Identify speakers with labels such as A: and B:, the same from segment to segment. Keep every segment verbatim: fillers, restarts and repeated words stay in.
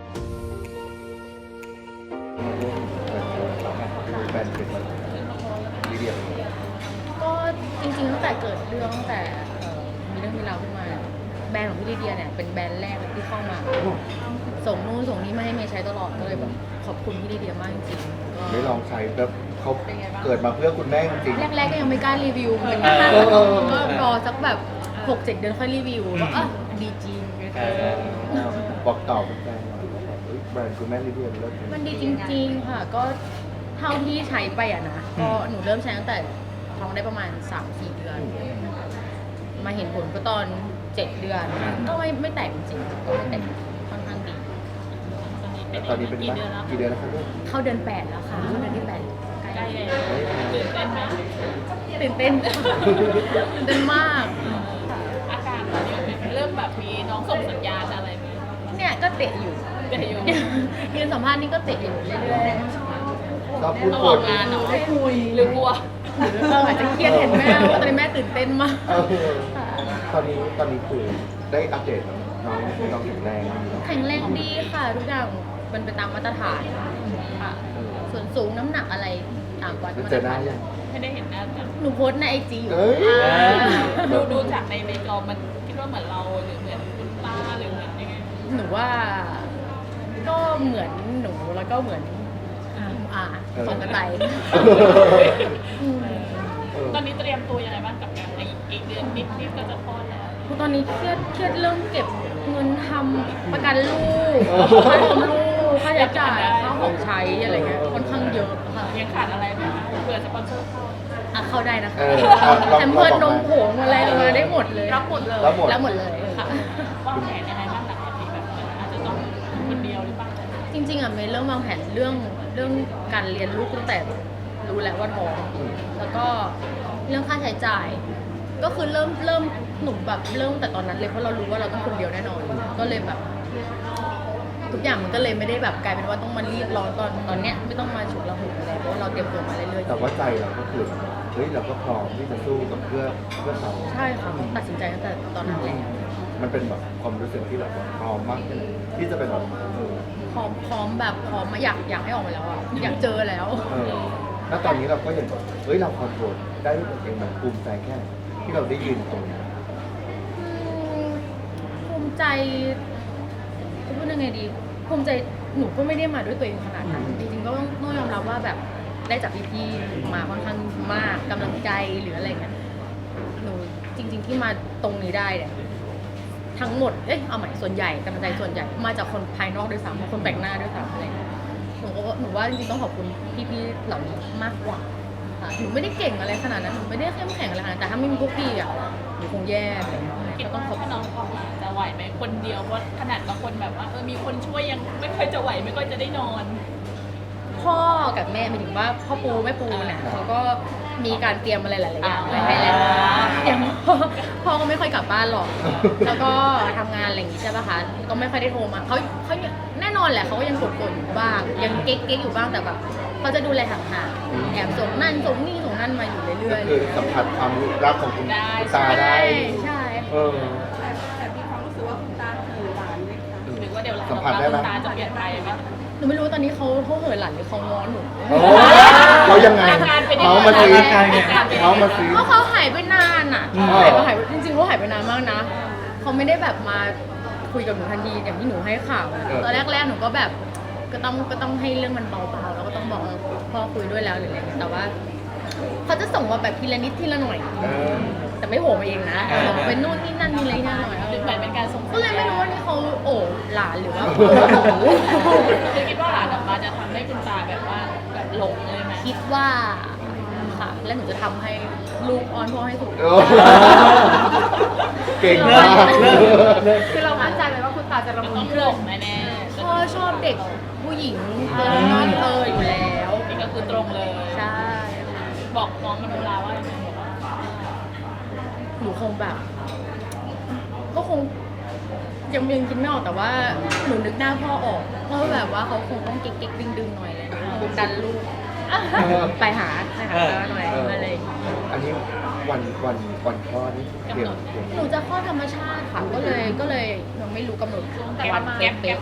A: แบรนด์เป็นลีเดียเป็น
B: ก็จริงๆตั้งแต่เกิดเรื่องตั้งแต่เอ่อมีเรื่องมีราวขึ้นมาเนี่ยแบรนด์ของพี่ลีเดียเนี่ยเป็นแบรนด์แรกเลยที่เข้ามา ส่งนู่นส่งนี่มาให้เมย์ใช้ตลอดก็เลยแบบขอบคุณพี่ลีเดียมากจริงๆก็
A: ไม่ลองใช้แบบเขาเกิดมาเพื่อคุณแม่จริง
B: แรกๆก็ยังไม่กล้ารีวิวเหมือน
A: เอ
B: กัน
A: อเออ
B: ก็รอสักแบบหกเจ็ดเดือนค่อยรีวิวว่าอ่ะดีจริง
A: บอกต่อแฟนๆหน่อยว่าแบบเอ้ยแบรนด์คุณแม่ลีเดียเลิศ
B: มันดีจริงๆค่ะก็เท่าที่ใช้ไปอ่ะนะก็หนูเริ่มใช้ตั้งแต่ท้องได้ประมาณ สามสี่ เดือน มาเห็นผลก็ตอนเจ็ดเดือน ก็ไม่ไม่แตกจริงๆก็ไม่แตกค่อนข้างดี
A: ตอนนี้เป็นกี่เดือนแล้วกี่เดือนแล้วครับลูก
B: เข้าเดือนแปดแล้วค่ะเข้าเดือนที่แปด
C: ใกล้เลยตื่นเต้นไหม
B: ตื่นเต้น ตื่นเต้นมาก
C: อาการตอนนี้เริ่มแบบมีน้องส่งสัญญาณอะไรไหม
B: เนี่ยก็เตะอยู่
C: เดี๋ยวอยู่
B: ยืนสัมภาษณ์นี่ก็เตะอยู่เรื่อย
A: ก็พูด
C: ต้อง
A: คุ
C: อย อกงานเนาะ
B: ๆคุย
C: หรือกลัว
B: เอออาจจะเครียดเห็นแม่ว่าตอนนี้แม่ตื่นเต้นมาก
A: เออตอนนี้ตอนนี้คือได้อัปเดตแล้วน้องน้องแข็งแรงดีเนาะ
B: แข็งแรงดีค่ะ ทุกอย่างมันเป็นตามมาตรฐานค่ะ
A: เออ
B: ส่วนสูงน้ำหนักอะไรตามวัด
A: แล้ว
B: มา
A: เจ
B: ตร
A: อหน้า
B: ฐาน
A: ยัง
C: ไม่ได้เห็นหน้ากัน
B: หนูโพสต์ในไอจีอยู่
A: เอ้ย
B: อ่า
C: ดูดูจากในในจอมันคิดว่าเหมือนเราหรือเหมือนคุณป้าหรือเหมือนยังไง
B: หนูว่าก็เหมือนหนูแล้วก็เหมือนอ่าสองกระต่ายอืม
A: เออ
C: ตอนนี้เตรียมตัวยังไงบ้างกับการในอีกเดือนนิดนิดก็จะคลอดแล้ว
B: ตอนนี้เครียดเครียดเรื่องเก็บเงินทำประกันลูกค่าเทอมลูกค่าใช้จ่ายค่าของใช้อะไรเงี้ยค่อนข้างเยอะค่ะ
C: ยังขาดอะไรไหมคะเผื่อสปอนเซอร์เข้า
B: อ่ะเข้าได้นะคะ
A: เออเอาลอง
B: แถมเพื่อน
A: ล
B: น
A: อง
B: ม
A: บอก
B: ผงอะไรมาได้หมดเลย
C: รับหมดเลย
A: รับหมด
B: รับหมดเลยค่ะ
C: วางแผนยังไงบ้างหลังจากนี้แบบอาจจะต้องคนเดียวหรือเปล่า
B: จริงๆอ่ะเมย์เริ่มวางแผนเรื่องเรื่องการเรียนลูกตั้งแต่รู้แล้วว่าท้องแล้วก็เรื่องค่าใช้จ่าย ก็คือเริ่มเริ่มหนุ่มแบบเริ่มแต่ตอนนั้นเลยเพราะเรารู้ว่าเราต้องคนเดียวแน่นอน ก็เลยแบบ ทุกอย่างมันก็เลยไม่ได้แบบกลายเป็นว่าต้องมารีบร้อนตอนตอนเนี้ยไม่ต้องมาฉุกละหุกอะไรเพราะว่าเราเตรียมตัวมาเรื่อย
A: แต่ว่าใจเราก็คือเฮ้ยเราก็พร้อมที่จะสู้กับเพื่อเพื่อเขา
B: ๆใช่ค่ะตัดสินใจตั้งแต่ตอนนั้นแล้ว
A: มันเป็นแบบความรู้สึกที่แบบว่าพร้อมมากเลยที่จะเป็นแบบเออ
B: พร้อมพร้อมแบบพร้อมมาอยากอยากให้ออกมาแล้วอ่ะอยากเจอแล้ว
A: เออแล้วตอนนี้เราก็ยังแบบเฮ้ยเราคอนโทรลได้ด้วยตัวเองมันภูมิใจแค่ไหนที่เราได้ยืนตรงนี้
B: อืมภูมิใจจะพูดยังไงดีภูมิใจหนูก็ไม่ได้มาด้วยตัวเองขนาดนั้นจริงๆก็ต้องต้องยอมรับว่าแบบได้จากพี่ๆมาค่อนข้างมากกำลังใจหรืออะไรเงี้ยหนูจริง ๆ ที่มาตรงนี้ได้เนี่ยทั้งหมดเอ้ยเอาใหม่ส่วนใหญ่กำลังใจส่วนใหญ่มาจากคนภายนอกด้วยซ้ำคนแปลกหน้าด้วยซ้ำอะไรเงี้ยหนูก็หนูว่าจริงๆต้องขอบคุณพี่ๆเหล่านี้มากกว่าค่ะหนูไม่ได้เก่งอะไรขนาดนั้นหนูไม่ได้เข้มแข็งอะไรขนาดนั้นแต่ถ้าไม่มีพวกพี่อ่ะหนูคงแย่ไปแล้ว
C: คิด
B: ก็ต้
C: ว่า
B: องขอบคุ
C: ถ้า
B: ณ
C: น้องออกมาจะไหวไหมคนเดียวเพราะขนาดบางคนแบบว่าเออมีคนช่วยยังไม่ค่อยจะไหวไม่ค่อยจะได้นอน
B: พ่อกับแม่หมายถึงว่าพ่อปูแม่ปูเนี่ยเขาก็มีการเตรียมอะไรหลายๆอย่างไว้ให้แล้ว
C: อ่า
B: อย่างพ่อพ่อก็ไม่ค่อยกลับบ้านหรอก แล้วก็ทำงานอะไรอย่างงี้ใช่ป่ะคะก็ไม่ค่อยได้โทรมาเขาเขาแน่นอนแหละเขาก็ยังกดๆอยู่บ้าง ยังเก๊กๆอยู่บ้างแต่แบบเขาจะดูแลห่างๆแอบส่งนั่นส่งนี่ส่งนั่นมาอยู่เรื่
A: ก็
B: อย
A: คือสัมผัสความรักของคุณ
C: ได้
A: คุณตา
B: ๆ
A: ได้
B: ใช่
A: เออ
D: แต่มีความรู้สึกว่าคุณตาเขินหลานไหมคะ
C: หรือว่าเดี๋ยวหลัง
A: สัมผัสได้ไหม
C: ตาจะเปลี่ยนไปไหม
B: หนูไม่รู้ตอนนี้เขาเขาเหินหลังหรือเขาง้อหนู
A: โอ้เขายังไง
C: อาการเป็นยังไง
A: เมาส์มาซี
C: อาการเป็นยังไง
A: เมาส์มาซี
B: เพราะเขาหายไปนานอ่ะ
A: อืม
B: หายไปหายไปจริงๆเขาหายไปนานมากนะเขาไม่ได้แบบมาคุยกับหนูทันทีอย่างที่หนูให้ข่าวตอนแรกๆหนูก็แบบก็ต้องก็ต้องให้เรื่องมันเบาๆแล้วก็ต้องบอกเออพ่อคุยด้วยแล้วหรืออะไรเงี้ยแต่ว่าเขาจะส่งมาแบบทีละนิดทีละหน่อย
A: เออ
B: แต่ไม่โหมาเองนะส่งมาเป็นนู่นนี่นั่นนี่อะไรนี่หน่อย
C: หรือเหมือนเป็นการส่ง
B: ก็เลยไม่รู้ว่านี่เขาโอบหลานหรือว่าโอ้โห
C: คือคิดว่าหลานออกมาจะทำให้คุณตาแบบว่าแบบหลงเลยไหม
B: คิดว่าค่ะและหนูจะทำให้ลูกอ้อนพ่อให้ถูก
A: โอ้เก่งมาก
D: คือเรามั่นใจเลยว่าคุณตาจะละมุ
C: ต้อน งหลงแน่ๆ
B: พ่อชอบเด็กผู้หญิงเออนั่นเอออยู่แล้ว
C: นี่ก็คือตรงเลย
B: ใช่
C: บอกน้องมันเวลาว่ายังไงบอกว่า
B: หนูคงแบบ ก็คงยังยังคิดไม่ออกแต่ว่าหนูนึกหน้าพ่อออกเพราะแบบว่าเขาคงต้องเก๊กๆดึงๆหน่อยอะไรเลยดันลูกไปหาไปหาป้าหน่อยอะไรอย่างเงี้ย
A: อันนี้วันวันวันคลอดนี่เตรียมเตรียม
B: หนูจะคลอดธรรมชาติค่ะ ก็เลยก็เลยยังไม่รู้กำหนด
C: แต่
B: วั
C: ว่าน แก๊ปแก๊
B: เป๊ะ
C: ปช่วงไหน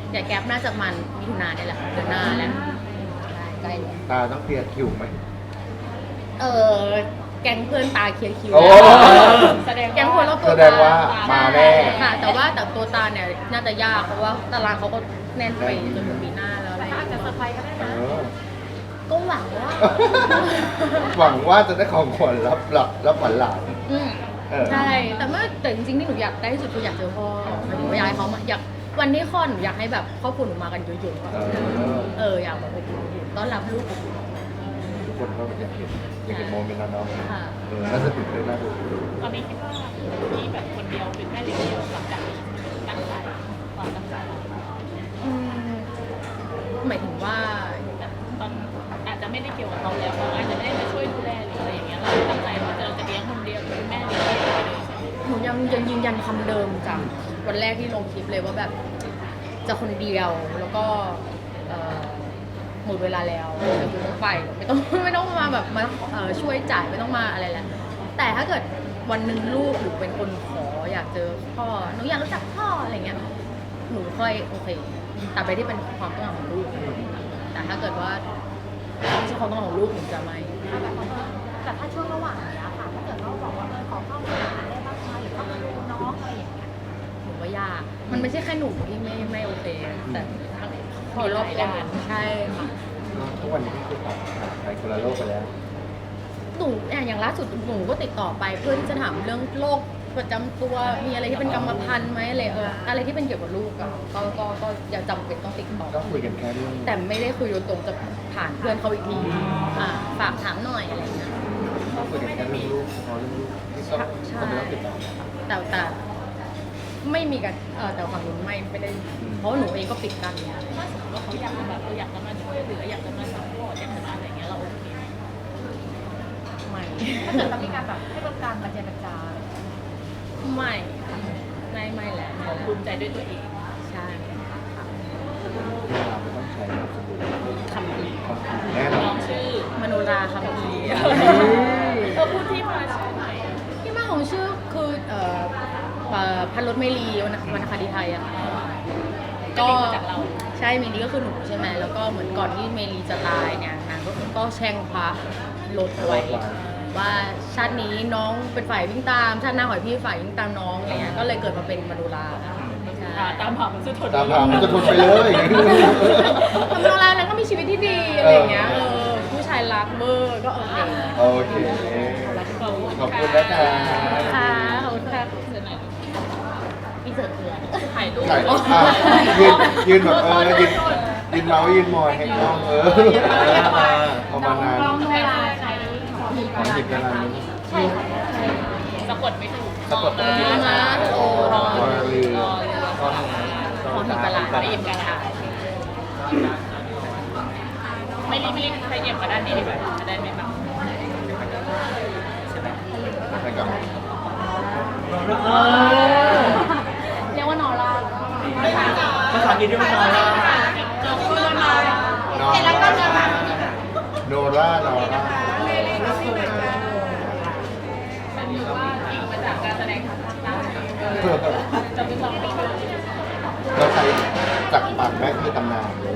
B: อย่าแก๊ปน่าจะมันมิถุนาเนี่ยแหละเดือนหน้าแล้วใกล้แล้ว
A: ตาต้องเคลียร์คิวไหม
B: เออแก๊งเพื่อนตาเคลียร์คิว
A: โอ้
B: แล้ว
C: แสดง
B: แก๊งคนรอบตัว
A: แสดงว่ามาแน่
B: ค่ะ แต่ว่าแต่ตัวตาเนี่ยน่าจะยากเพราะว่าตารางเขาก็แน่นไปจนถึงปีหน้าแล้วอะไรอย่าง
D: อาจ
B: เงี้
D: จะ
B: ย
D: เซอร์ไพรส์ก็ได้
A: เอ
D: นะ
A: อ
B: ก็หวังว่า
A: หวังว่าจะได้ของขวัญรับรับรับขวัญหลาน
B: อืม
A: เออ
B: ใช่แต่เมื่อแต่จริงๆที่หนูอยากได้ที่สุดคืออยากเจอพ่อหมายถึงว่าอยากให้เขามาอยากวันที่คลอดหนูอยากให้แบบครอบครัวหนูมากันเยอะๆอะ
A: เออ
B: เอออยากแบบอบอุ่นต้อนรับลูกอบอุ่น
A: ทุกคนก็อยากเห็นอยากเห็นโมเมนต์นั้นเนาะ
B: ค่ะ
A: เออน่าจะตื่นเต้นน่าดู
C: ตอนนี้คิดว่ามีแบบคนเดียวเป็นแม่เลี้ยงเดียวหลังจากนี้ตั้งใจความตั้งใจเรา
B: อืมหมายถึงว่า
C: แต่ตอนอาจจะไม่ได้เกี่ยวกับเราแล้วเราอาจจะไม่ได้มาช่วยดูแลหรืออะไรอย่างเงี้ยเราตั้งใจว่าเราจะเลี้ยงคนเดียวเป็นแม่เลี้ยงเดียวไปเลย
B: หนูยังยังยืนยันคำเดิมจากวันแรกที่ลงคลิปเลยว่าแบบจะคนเดียวแล้วก็เอ่อหมดเวลาแล้วเดี๋ยวคุณต้องไปไม่ต้องไม่ต้องมาแบบมาเอ่อช่วยจ่ายไม่ต้องมาอะไรแล้วแต่ถ้าเกิดวันหนึ่งลูกหรือเป็นคนขออยากเจอพ่อหนูอยากรู้จักพ่ออะไรเงี้ยหนูค่อยโอเคแต่ไปที่เป็นความต้องการของลูกแต่ถ้าเกิดว่าไม่ใช่ความต้องการของลูกหนูจะไม่
D: แต่ถ้าช่วงระหว่างเนี้ยค่ะ ถ้าเกิดเราบอกว่าเออขอเข้ามาหาได้บ้างไหมหรือเข้ามาดูน้องอะไรอย่างเงี้ย
B: หนูว่ายาก มันไม่ใช่แค่หนูที่ไม่ไม่โอเค แต่ทั้งคนรอบตัวใช่ค่ะ
A: ทุกวันนี้ก็คือตัดไปคนละโลกไปแล้ว
B: หนูอย่างอย่างล่าสุดหนูก็ติดต่อไปเพื่อที่จะถามเรื่องโรคประจำตัว มีอะไรที่เป็นกรรมพันธุ์ไหมอะไรเอออะไรที่เป็นเกี่ยวกับลูกอะก็ก็ก็อย่าจำเป็นต้องติดต่อ
A: ก็คุยกันแค่เรื่อง
B: แต่ไม่ได้คุยโดยตรงจะผ่านเพื่อนเขาอีกทีอ่าฝากถามหน่อยอะไรอย่างเงี้ย
A: ก็คุยกันแค่เรื่องลูกพอเรื่องลูกที่ต้อง
B: ใช่
A: ต้องไม่ต้องติดต่อ
B: แต่แต่ไม่มีกันเออแต่ฝั่งนู้นไม่ไม่ได้ เพราะว่าหนูเองก็ปิดกันเนี่ย
C: ถ้าสมมติว่าเขาอยากจะแบบเอออยากจะมาช่วยเหลืออยากจะมาซัพพอร์ตอยากจะมาอะไรอย่างเงี้ยเราโอเคไหม
B: ไม่
D: ถ้าเกิดเรามีการแบบให้บริการมาเจรจา
B: ไม่ค่ะไม่ไม่แหละ
C: เขาภูมิใจด้วยตัวเอง
B: ใช่
A: เวลาไม่ต้องใช้นามสกุล
B: คำพี
A: คำพูดแน่นอ
C: น้อน งชื่อ
B: มโนราคำพี
C: เออพูดที่มาชื่อหน่อย
B: ที่มาของชื่อคือเอ่อเอ่อพันรถเมลีวรรณวรรณคดีไทยอะค่ะ
C: ก็ลิงก์มาจากเรา
B: ใช่เมลีก็คือหนูใช่ไหมแล้วก็เหมือนก่อนที่เมลีจะตายเนี่ยนางก็ก็แช่งพระรถไว้ว่าชาตินี้น้องเป็นฝ่ายวิ่งตามชาติหน้าขอให้พี่ฝ่ายวิ่งตามน้องอะไรเงี้ยก็เลยเกิดมาเป็นมโนราใช่
C: อ่าตามหามันสุดทน
A: ตามหามันจะทนไปเลย
B: ทำโนราแล้วก็มีชีวิตที่ดีอะไรอย่างเงี้ยเออผู้ชายรักเบอร์ก็โอเค
A: โอเค ขอบคุณนะคะ
B: ค่ะขอบคุณค่ะ
C: เสร็จไหน
B: อีเสิร์ตเถื่อน
C: ถ่ายรูป
A: ถ่ายอ่ะยืนยืนแบบเออยืนยืนเมาส์ยืนมอยให้น้องเออประมาณนั้น
D: เวลาใช้ขอมี
A: ขอหยิบเวลานี้
D: ใช่ค่ะ
C: สะกดไม่ถูก
A: สะกด
C: มา
A: ไม่ถูก
C: มาโอรอ
A: วาลือ
C: รอเรือ
B: ของหิบกะลา
C: ไปเอ็มกันค่ะไม่รีบไม่รีบใครเอ็มมาด้านนี้ดีกว่าจะได้ไม่บัง
A: ให้กลับมา
B: เรียกว่านอร่า
E: ภาษาอังกฤษเรียกว่านอร่า
A: นอนโนร่าโนร่า
C: มันอยู่ว่าอิงมาจากการแสดงทางภาคใต้จะเป็นสองคน
A: เราใช้จากปากแม่คือตำนาน